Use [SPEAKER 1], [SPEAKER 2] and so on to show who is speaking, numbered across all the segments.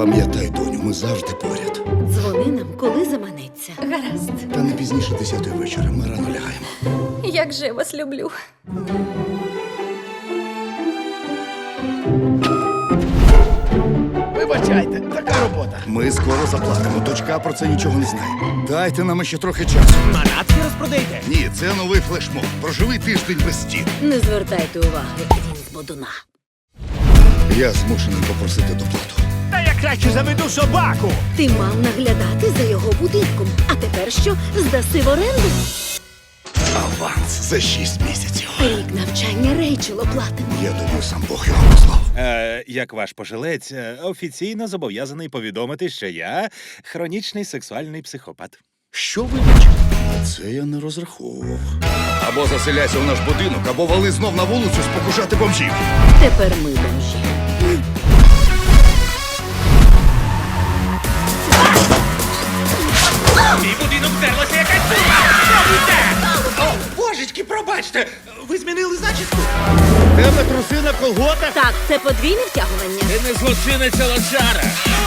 [SPEAKER 1] Пам'ятай, доню, ми завжди поряд.
[SPEAKER 2] Дзвони нам, коли заманеться.
[SPEAKER 3] Гаразд.
[SPEAKER 1] Та не пізніше 10-ї вечора. Ми рано лягаємо.
[SPEAKER 3] Як же я вас люблю.
[SPEAKER 4] Вибачайте, така робота.
[SPEAKER 1] Ми скоро заплатимо. Дочка про це нічого не знає. Дайте нам ще трохи часу.
[SPEAKER 4] Манатки розпродайте.
[SPEAKER 1] Ні, це новий флешмоб. Проживи тиждень без стін.
[SPEAKER 2] Не звертайте уваги, він з бодуна.
[SPEAKER 1] Я змушений попросити доплату.
[SPEAKER 4] Та я краще заведу собаку.
[SPEAKER 2] Ти мав наглядати за його будинком. А тепер що? Здаси в оренду?
[SPEAKER 1] Аванс за 6 місяців.
[SPEAKER 2] Рік навчання Рейчел оплатимо.
[SPEAKER 1] Я думаю, сам Бог його послав.
[SPEAKER 5] Як ваш пожилець, офіційно зобов'язаний повідомити, що я хронічний сексуальний психопат.
[SPEAKER 1] Що вибачте? На це я не розраховував. Або заселяйся у наш будинок, або вали знов на вулицю спокушати бомжів.
[SPEAKER 2] Тепер ми бомжі.
[SPEAKER 4] Мій будинок вдерлася якась дура. Що робите? О, божечки, пробачте. Ви змінили зачіску? Тебе труси на колготах?
[SPEAKER 2] Так, це подвійне втягування.
[SPEAKER 4] Ти не злочинець, а лошара.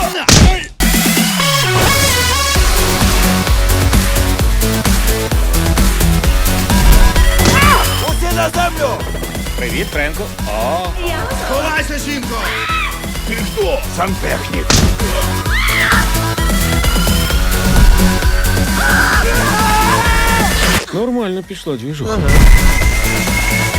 [SPEAKER 4] Усі на землю!
[SPEAKER 5] Привіт, Френку. О,
[SPEAKER 4] Ховайся, жінко! Ти хто? Сантехнік.
[SPEAKER 6] Нормально пішла двіжуха.